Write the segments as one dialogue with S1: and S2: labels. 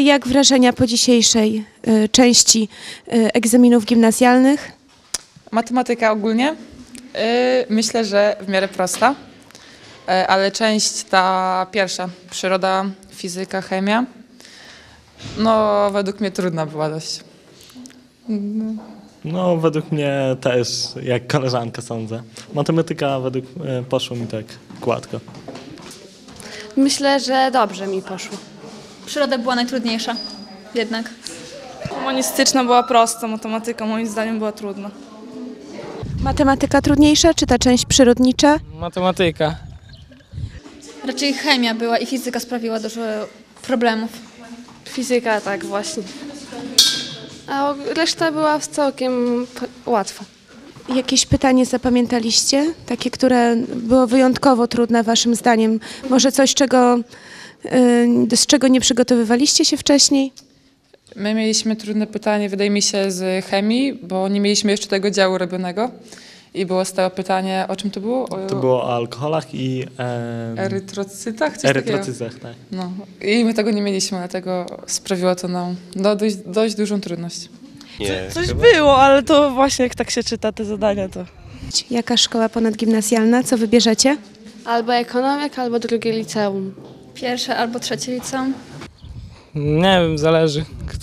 S1: jak wrażenia po dzisiejszej części egzaminów gimnazjalnych?
S2: Matematyka ogólnie. Myślę, że w miarę prosta, ale część ta pierwsza, przyroda, fizyka, chemia, no według mnie trudna była dość.
S3: No, według mnie też, jak koleżanka sądzę. Matematyka poszło mi tak gładko.
S4: Myślę, że dobrze mi poszło.
S5: Przyroda była najtrudniejsza jednak.
S6: Humanistyczna była prosta, matematyka moim zdaniem była trudna.
S1: Matematyka trudniejsza, czy ta część przyrodnicza?
S7: Matematyka.
S5: Raczej chemia była i fizyka sprawiła dużo problemów.
S4: Fizyka tak właśnie. A reszta była całkiem łatwa.
S1: Jakieś pytanie zapamiętaliście? Takie, które było wyjątkowo trudne waszym zdaniem? Może coś, z czego nie przygotowywaliście się wcześniej?
S2: My mieliśmy trudne pytanie, wydaje mi się, z chemii, bo nie mieliśmy jeszcze tego działu robionego i było stałe pytanie, o czym to było?
S3: To było o alkoholach i
S2: Erytrocytach? Coś takiego.
S3: erytrocyzach, tak.
S2: No. I my tego nie mieliśmy, dlatego sprawiło to nam dość dużą trudność.
S6: Coś było, ale to właśnie jak tak się czyta te zadania, to...
S1: Jaka szkoła ponadgimnazjalna? Co wybierzecie?
S4: Albo ekonomik, albo drugie liceum.
S5: Pierwsze albo trzecie liceum.
S7: Nie wiem, zależy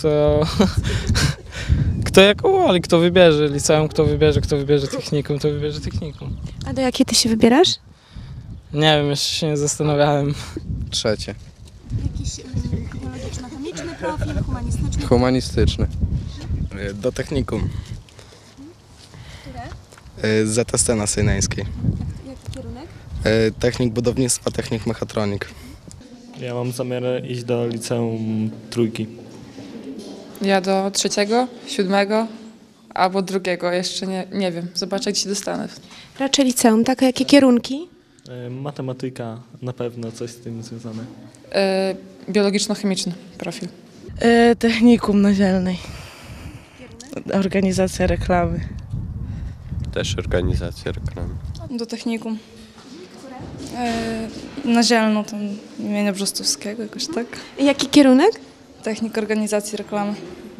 S7: kto jak uwoli, kto wybierze liceum, kto wybierze technikum, to wybierze technikum.
S1: A do jakiej ty się wybierasz?
S7: Nie wiem, jeszcze się nie zastanawiałem.
S8: Trzecie.
S1: Jakiś biologiczno-chemiczny profil, humanistyczny?
S8: Humanistyczny.
S9: Do technikum.
S1: Które?
S9: ZST na Sejneńskiej.
S1: Jaki kierunek?
S9: Technik budownictwa, technik mechatronik.
S3: Ja mam zamiar iść do liceum Trójki.
S2: Ja do trzeciego, siódmego albo drugiego, jeszcze nie wiem. Zobaczę, gdzie się dostanę.
S1: Raczej liceum, tak? A jakie kierunki?
S3: Matematyka, na pewno coś z tym związane.
S2: Biologiczno-chemiczny profil.
S6: Technikum na Zielnej. Organizacja reklamy.
S8: Też organizacja reklamy.
S6: Do technikum. Na Zielną, tam imienia Brzostowskiego jakoś tak.
S1: Jaki kierunek?
S6: Technik organizacji reklamy.